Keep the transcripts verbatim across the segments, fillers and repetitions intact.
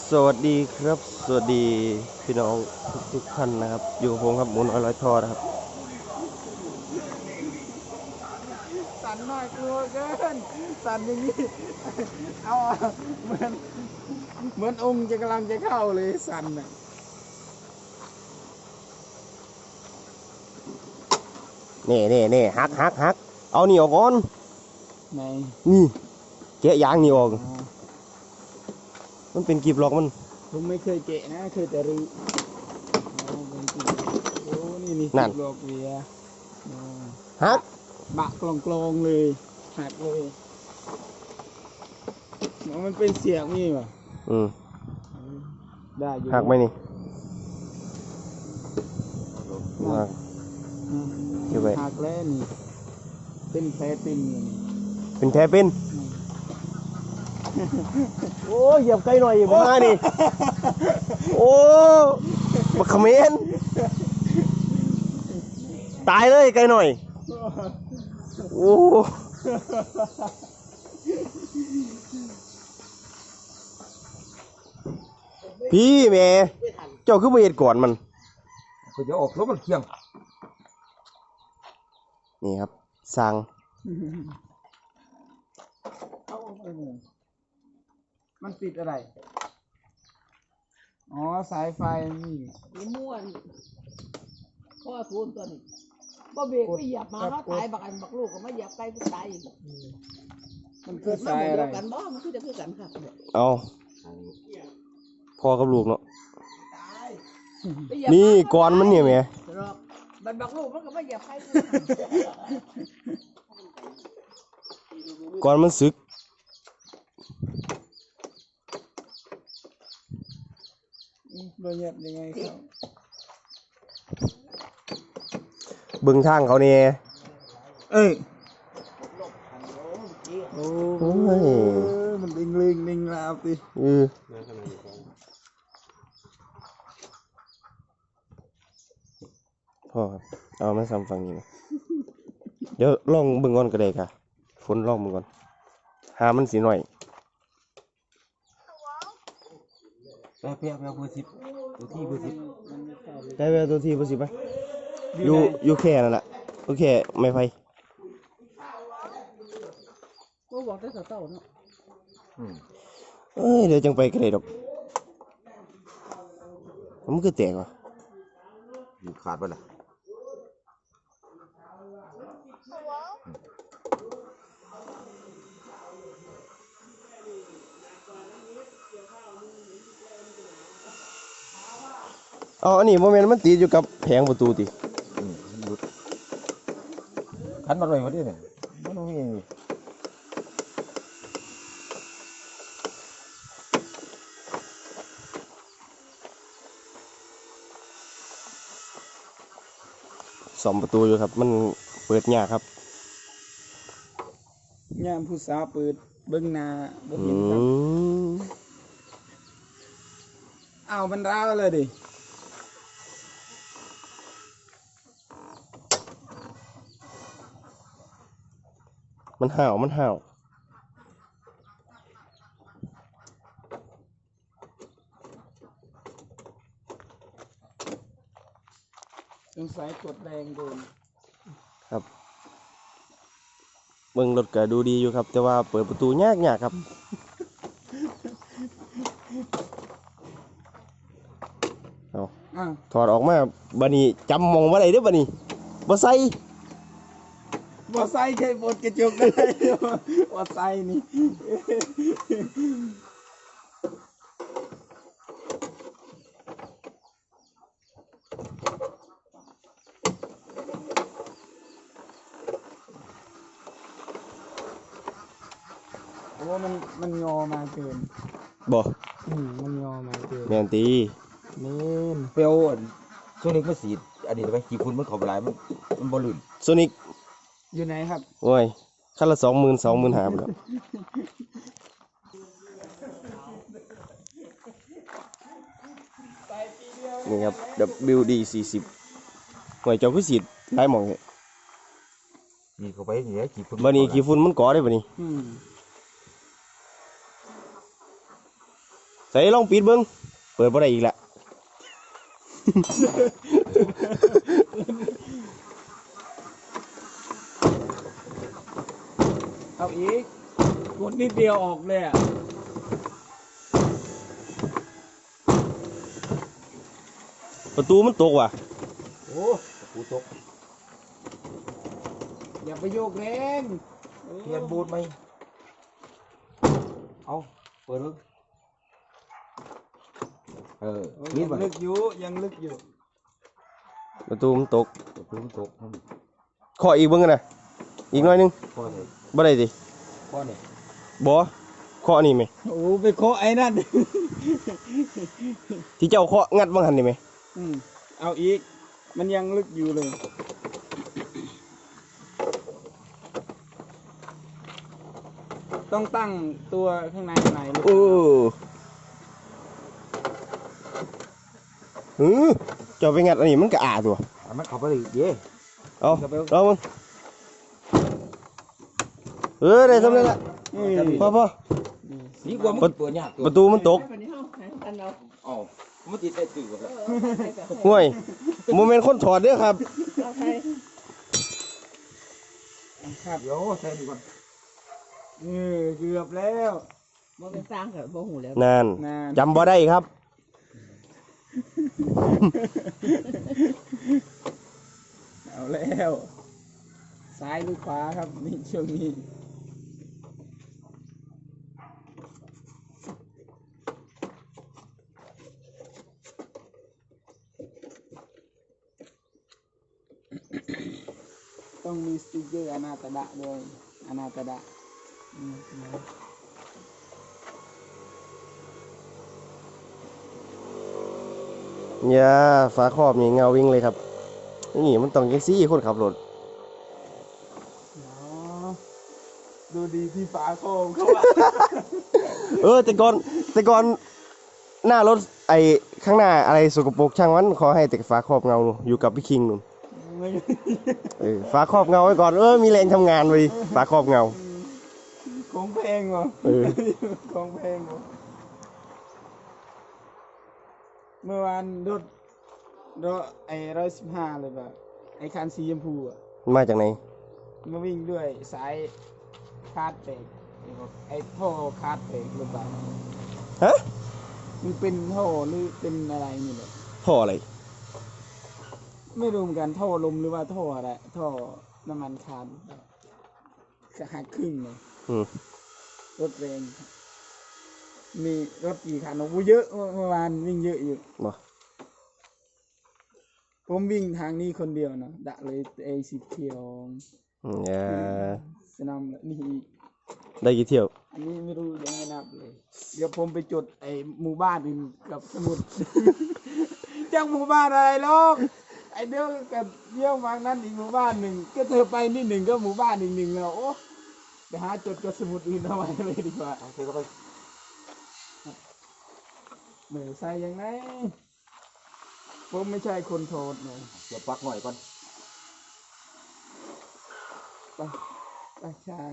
สวัสดีครับสวัสดีพี่น้องทุกทุกท่านนะครับอยู่กับผมครับหมุนอร่อยทอดครับสั่นหน่อยกลัวเกินสั่นอย่างนี้เอาเหมือนเหมือนองค์จะกำลังจะเข้าเลยสั่นน่ะเน่เน่เน่ฮักฮักฮักเอานี่ออกก่อนในนี่แกะยางนี่ออกมันเป็นกีบล็อกมันผมไม่เคยเกะนะเคยแต่รื้อโอ้เป็นจริงโอ้นี่นี่ติดโลกเวียฮักบะกลองกลองเลยหักเลยมันเป็นเสียงนี่ป่ะอืมได้อยู่หักไหมนี่หักอยู่ไปหักแล้วนี่เป็นแผลเป็นนี่เป็นแท้เป็นโอ้เหยียบไกลหน่อยผมมานี่โอ้บักเขมรตายเลยไกลหน่อยโอ้พี่แม่เจ้าคือมาเห็ดก่อนมันก็จะออกรถมันเคียงนี่ครับสั่งมันติดอะไรอ๋อสายไฟนี่นี่ม่วนข้อทูนตัวนี้บ่เบรกไปเหยียบมาเขาตายบักอันบักลูกก็มาเหยียบไกลกูตายอีกมันคือสาสายอะไรกันบ่มันคือจะคือกันครับเอาพ่อกับลูกเนาะนี่ก่อนมันเนี่ยแม่บันบักลูกมันก็มาเหยียบไกลก่อนมันสึกโดนเหยียบยังไงครับบึงทางเขาเนี่ยเอ้ยโอ้ยมันลิงลิงลิงแล้วสิเออพ่อครับเอามาซ้ำฟังนี้นะเดี๋ยวลองบึงก่อนก็ได้ค่ะฝนลองบึงก่อนหามันสีหน่อยแป๊บแป๊บแป๊บเบอร์สิบตัวที่เบอร์สิบได้ไปตัวที่เบอร์สิบไหมอยู่อยู่แค่นั่นแหละโอเคไม่ไฟก็บอกได้เต่าเนาะเอ้ยเดี๋ยวจังไปก็ได้ดอกมันคือแตกว่ะอยู่ขาดไปละอ๋ออันนี้โมเมนต์มันติดอยู่กับแผงประตูติขันมาเลยวันนี้เนี่ยมันไม่มีสองประตูอยู่ครับมันเปิดยากครับยามผู้สาวเปิดเบิ้งนาบ่เห็นครับเอามันร้าวเลยดิมันห่าวมันห่าวสงสัยกดแรงโดนครับเบิ่งรถก็ดูดีอยู่ครับแต่ว่าเปิดประตูยากยากครับเอาถอดออกมาบัดนี้จำมองว่าไรเด้อบัดนี้บ่ใส่บ่ใส่แค่บดกระจกได้บ่ใส่นี่โอ้มันมันงอมาเกินบ่อืมมันงอมาเกินแม่นตีเน้นเปลวช่วงนี้มันสีอันนี้ไปขี่คุณมันขอบลายมันมันบอลลูนโซนิกอยู่ไหนครับโอ้ยคันละสองหมื่นสองหมื่นหาไปแล้วนี่ครับ ดับเบิลยู ดี สี่สิบหน่วยเจ้าคือสีหลายหม่องเนี่ยนี่เข้าไปนี่ไอ้ขี่ฝุ่นบัดนี้ขี่ฝุ่นมันก่อได้บัดนี้ใส่ลองปิดเบิ้งเปิดบ่ได้อีกละเอาอีกกดนิดเดียวออกเลยอ่ะประตูมันตกว่ะโอ้กูตกอย่าไปโยกแรงเทียนบูดไหมเอาเปิดเลยเออโอ้ยนี่ยังมันลึกอยู่ยังลึกอยู่ประตูมันตกประตูมันตกขออีกเบิ้งกันนะอีกหน่อยหนึงข้อนี้บ่ได้ดิข้อนี้บ่เคาะนี่ไหมโอ้ไปเคาะไอ้นั่นที่เจ้าเคาะงัดบังหันนี่ไหมอืมเอาอีก มันยังลึกอยู่เลย ต้องตั้งตัวข้างในข้างในลึกโอ้หือเจ้าไปงัดอันนี้มันก็อาตัวอ่ะมันเข้าไปเลยเย่เอาลองมึงเออได้สำเร็จละอืมพอพอดีกว่ามันเปิดยากประตูมันตกวันนี้เฮาหากันเราอ๋อมันติดได้ตื่นแล้วเออเอาไปกับห่วยโมเมนต์คนถอดเด้อครับเอาไปครับเดี๋ยวใส่ดีก่อนเออเกือบแล้วบ่เป็นสร้างกับบ่หูแล้วนานนานจำบ่ได้ครับเอาแล้ว ซ้ายหรือขวาครับนี่ช่วงนี้ ต้องมีสติกเกอร์อนาตดะด้วยอนาตดะอืมนะอย่าฝาครอบนี่เงาวิ่งเลยครับนี่มันต้องยังซี่คนขับรถอ๋อดูดีที่ฝาโคมเขาว่าเออแต่ก่อนแต่ก่อนหน้ารถไอ้ข้างหน้าอะไรสกปรกช่างมันขอให้แต่ฝาครอบเงาอยู่กับพี่คิงนู่นไม่เออฝาครอบเงาไว้ก่อนเออมีแรงทำงานไว้ฝาครอบเงาของเพลงเหรอเออของเพลงเหรอเมื่อวานรถรถไอ้ร้อยสิบห้าเลยแบบไอ้คันสีชมพูอ่ะมาจากไหนมาวิ่งด้วยสายคาดเบรกไอ้ท่อคาดเบรกหรือเปล่าฮะมันเป็นท่อหรือเป็นอะไรนี่แหละท่ออะไรไม่รู้เหมือนกันท่อลมหรือว่าท่ออะไรท่อน้ำมันคาร์จะหักครึ่งเลยอืมรถแรงมีรถกี่คันโอ้โหเยอะเมื่อวานวิ่งเยอะอยู่บ่ผมวิ่งทางนี้คนเดียวนะดะเลยเอสิบเที่ยวอืมอย่าสนามนี่อีกได้กี่เที่ยวอันนี้ไม่รู้ยังไม่นับเลย เดี๋ยวผมไปจดไอ้หมู่บ้านอื่นกับสมุด จังหมู่บ้านอะไรหรอกไอ้เดี๋ยวกับเยี่ยมวางนั้นอีกหมู่บ้านหนึ่งก็เธอไปนี่หนึ่งก็หมู่บ้านอีกหนึ่งแล้วโอ้ไปหาจดกับสมุดอื่นเอาไว้เลยดีกว่าเอาใส่เข้าไปเหมือนใส่ยังไงผมไม่ใช่คนโทษเลยเดี๋ยวปักหน่อยก่อนไปไปช่าง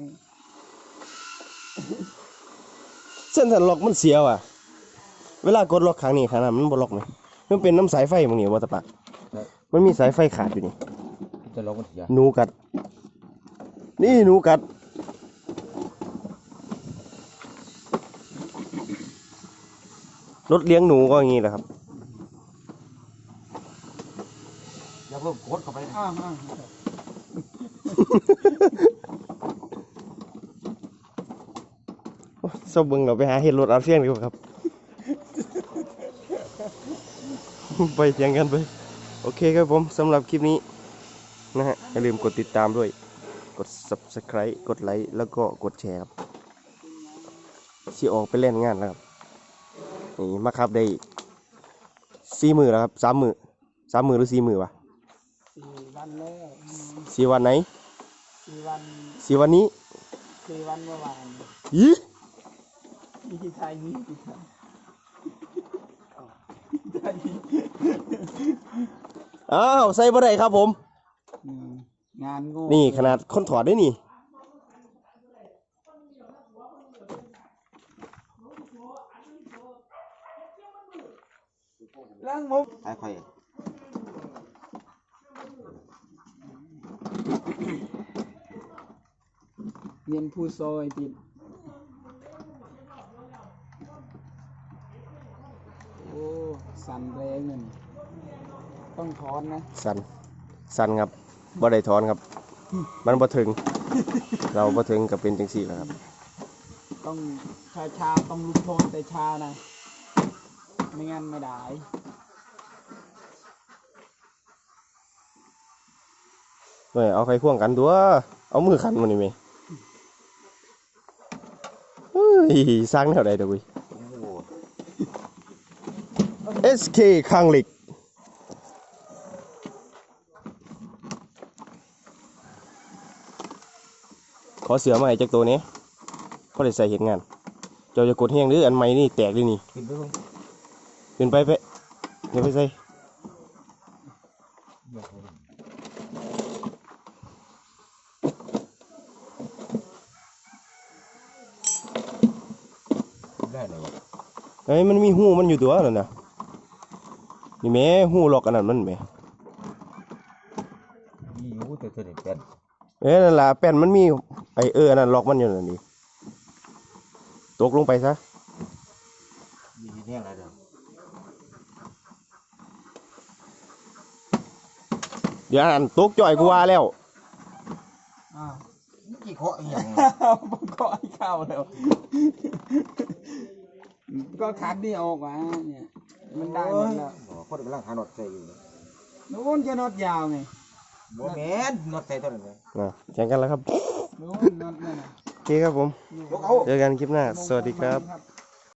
เส้นสันล็อกมันเสียวอ่ะ เวลากดล็อกครั้งนี้ครั้งนั้นมันบ่ล็อกไหมมันเป็นน้ำสายไฟมึงนี่ว่าตะปักมันมีสายไฟขาดอยู่นี่จะลองมันเสียหนูกัด นี่หนูกัด รถเลี้ยงหนูก็อย่างนี้แหละครับอย่าเพิ่มโคตรเข้าไปนะอ้าวอ้าวเศร้าเบิ่งเราไปหาเห็ดรถอาเซียนดีกว่าครับ ไปเถียงกันไป โอเคครับผมสำหรับคลิปนี้นะฮะอย่าลืมกดติดตามด้วย กด ซับสไครบ์ กดไลค์แล้วก็กดแชร์ครับสิออกไปเล่นงานแล้วครับนี่มาครับได้สี่มือแล้วครับสามมือสามมือหรือสี่มือวะสี่วันแล้วอืมสี่วันไหนสี่วันสี่วันนี้สี่วันเมื่อวานยีมีที่ไทยมีที่ไทยไทยอ้าวใส่บ่ได้ครับผมอืมงานโง่นี่ขนาดคนถอดได้นี่ล้างผมท้ายค่อยเย็นผู้ซอยติดโอ้สั่นแรงเงินต้องถอนนะสันสันครับบ่ได้ถอนครับ มันบ่ถึง เราบ่ถึงกับเป็นจังซี่แหละครับต้องชาชาต้องลุกโทนแต่ชานะไม่งั้นไม่ได้เฮ้ยเอาไฟพ่วงกันตัวเอามือขันมันนี่ไหมเฮ้ยสร้างแนวใดเด้อเว้ย เอส เค คังเหล็กขอเสือมาให้จากตัวนี้ก็ได้ใส่เห็นงาน เจ้าจะกดแห้งหรืออันใหม่นี่แตกเลยนี่ขึ้นไปเบิ่งเป็นไปไปเดี๋ยวไปใส่ได้เลยวะเฮ้ยมันมีหูมันอยู่ตัวนั่นนะนี่แม่หูล็อกอันนั้นมันแม่มีอยู่แต่ตัวนี้เป็นเอ้ยนั่นล่ะแป้นมันมีไอเอออันนั้นล็อกมันอยู่นั่นนี่ตกลงไปซะมีแห้งอะไรเด้อเดี๋ยวอันนั้นตกจ่อยกูว่าแล้วอ้าวนี่กี่เคาะอีหยังผมก็ไอ้เข้าแล้ว ก็คัดนี่ออกมาเนี่ย มันได้หมดแล้วอ๋อคนกำลังหาน็อตใส่อยู่นู้นจะน็อตยาวไงบ่แม่นน็อตใส่ตัวนั้นเลยนะแข่งกันแล้วครับนู้นน็อตนั่นน่ะโอเคครับผมยกเอาเจอกันคลิปหน้า สวัสดีครับครับ